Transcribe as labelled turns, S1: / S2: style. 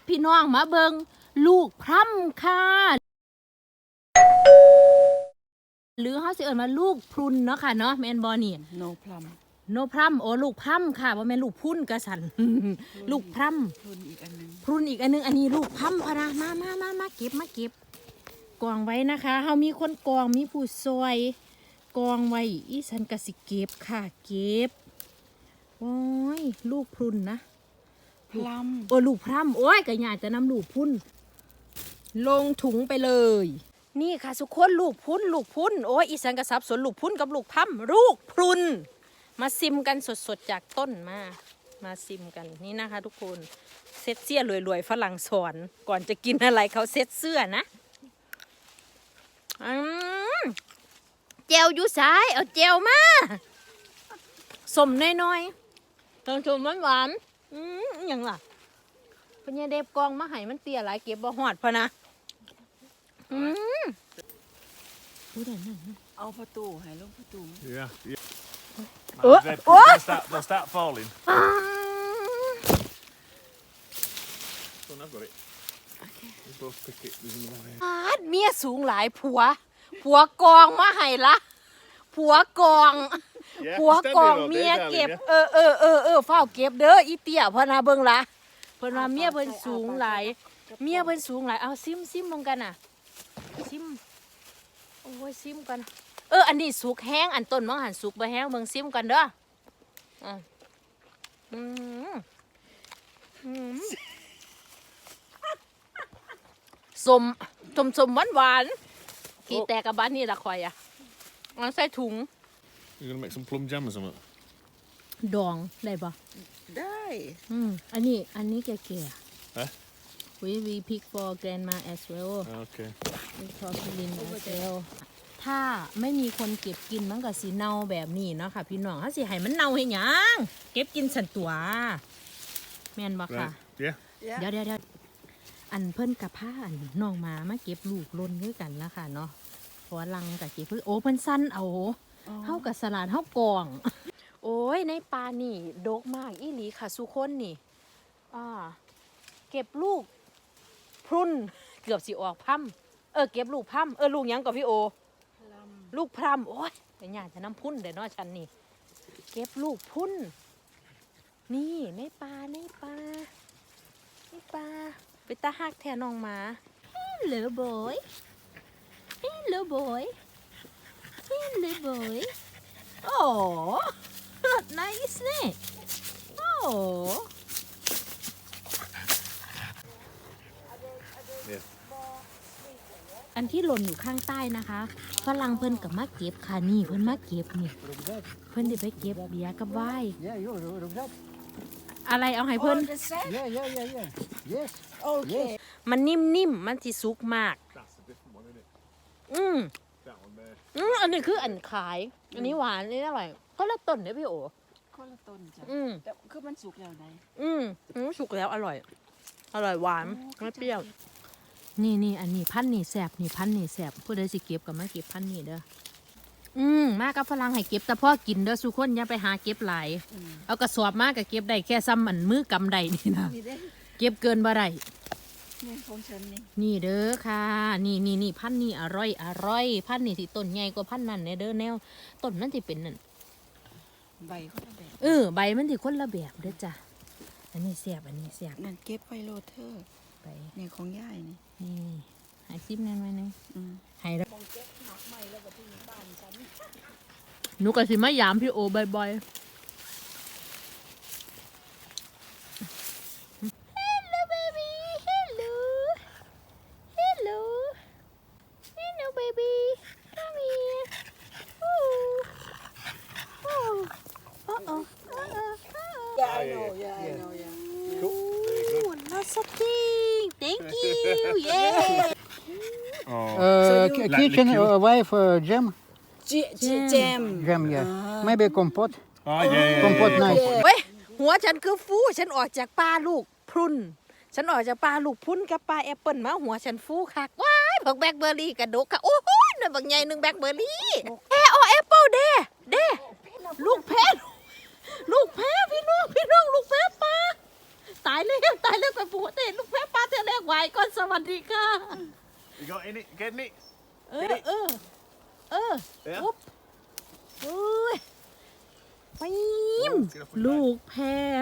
S1: พี่น้องมาเบิงลูกพร่ำค่ะหรือเขาสิเอิ้นมาลูกพรุนเนาะค่ะเนาะแมนบอนี่
S2: โนพลัม
S1: โนพร่ำโอ้ลูกพร่ำค่ะว่าแม่นลูกพุ่นกระสัน ลูกพร่
S2: พรุนอีกอันนึง
S1: ำพรุนอีกอันนึงอันนี้ลูกพร่ำพะนะมาเก็บกองไว้นะคะเขามีคนกองมีผู้ซอยกองไว้อีฉันกสิเก็บค่ะเก็บโอ้ยลูกพรุนนะ
S2: พลัม
S1: โอ้ลูกพร่ำโอ้ยกระยาจะนำลูกพุ่นลงถุงไปเลย นี่ค่ะทุกคนลูกพุ่นโอ้ยอีสันกระซับสนลูกพุ่นกับลูกพร่ำลูกพรุนมาซิมกันสดๆจากต้นมาซิมกันนี่นะคะทุกคนเซ็ตเสื้อรวยๆฝรั่งสอนก่อนจะกินอะไรเขาเซ็ตเสื้อนะเจลอยู่ซ้ายเอาเจลมาสมน้อยๆต้องชมหวานๆอย่างล่ะพญาเดบกองมาให้มันเตี้ยหลายเก็บบ่หอดพะนะ
S2: เอาประตูให้ลงประตู
S3: Yeah. They'll start falling. Son, I've got it. You both pick it. There's another one here.
S1: เมียสูงหลายผัวกองมาให้ละผัวกองเมียเก็บเฝ้าเก็บเด้ออีเตี้ยพะนะเบิ่งละเพิ่นว่าเมียเพิ่นสูงหลายเอาซิมลงกันน่ะซิมโอ้ยซิมกันอันนี้สุกแห้งอันต้นมังหันสุกบ่แห้งเบิ่งซิมกันเด้อสมหวานกี่แต่กับบ้านนี่ละคอยอ่ะเอาใส่ถุง
S3: You're gonna make some plum jam or something?
S1: ดองได้ปะ
S2: ได้
S1: อันนี้แก่ๆwe pick for grandma as well
S3: Okay.
S1: for Pilin as well ถ้าไม่มีคนเก็บกินมันก็สิเน่าแบบนี้เนาะค่ะพี่น้องถ้าสิให้มันเน่าให้หยังเก็บกินสันตัวแม่นบ่ค่ะ
S3: Yeah.
S1: เดี๋ยวอันเพิ่นกับผ้าอันน้องมาเก็บลูกล้นด้วยกันแล้วค่ะเนาะพอลังกับเก็บเพิ่นโอ้เพิ่นสั้นเอาเฮากับสลัดเฮากองโอ้ยในปลานี่ดกมากอีหลีค่ะสุคนนี่เก็บลูกพรุนเกือบสิออกพั่มเก็บลูกพั่มลูกยังกับพี่โอลูกพร่ำโอ้ยเป็นหยาจะน้ำพุ่นเดี๋ยวน้อฉันนี่เก็บลูกพุ่นนี่ในปลาไปตาหักแทนน้องหมา Hello boy oh nice เนี่ยอันที่หล่นอยู่ข้างใต้นะคะฝรั่งเพิ่นกับมาเก็บค่ะนี่เพิ่นมาเก็บนี่เพิ่นได้ไปเก็บเบียร์กับไวน์อะไรเอาให้เพิ่นมันนิ่มมันสิสุกมากอันนี้คืออันขายอันนี้หวานอันนี้อร่อยก็ละต้นเนี่ยพี่โอ
S2: คนละต้นจ้ะแต่คือมันสุกแล้วไหน
S1: สุกแล้วอร่อยหวานไม่เปรี้ยวนี่อันนี้พันนี่แสบนี่พันนี่แสบผู้ใดสิเก็บกับมาเก็บพันนี่เด้อมากับฝรั่งให้เก็บแต่พ่อกินเด้อสุคนอย่าไปหาเก็บหลายเอากระสอบมาก็เก็บได้แค่ซ้ำอันมือกำไดนี่นะเก็บเกินบ่ได้
S2: นี่ของฉัน
S1: นี่เด้อค่ะนี่พันนี่อร่อยพันนี่ที่ต้นใหญ่กว่าพันนั่นเนี่ยเด้อแนวต้นนั่นที่เป็นนั่น
S2: ใบคนละแบบ
S1: ใบมันที่คนละแบบเด้อจ้ะอันนี้แสบ
S2: นั่นเก็บไวโรเทอร์
S1: ไป
S2: นี่ของย่ายนี่
S1: ให้ซิมนั่นไว้นึงให้แล้วหนูก็สิมายามพี่โอบ่อยๆHello baby Hello baby come here
S2: Yeah I know
S3: Cool.
S1: Lots of things thank you
S4: Kitchen wife jam
S2: jam
S4: yeah maybe compote
S3: Yeah.
S4: compote nice
S1: เว้ยหัวฉันคือฟูฉันออกจากปลาลูกพรุนฉันออกจากปลาลูกพุ้นกับปลาแอปเปิลมาหัวฉันฟูคักว้ายบักแบล็คเบอร์รี่กระดกค่ะโอ้โหหน่อยบักใหญ่หนึ่งแบล็คเบอร์รี่แอปเปิลเด้ลูกแพ้พี่น้องลูกแพ้ปลาตายแล้วกับปูเต้ลูกแพ้ปลาไหวก่อนสวัสดีค่ะ
S3: You got in it? Getting it?
S1: เออปุ๊บอุ้ยปีมลูกแพร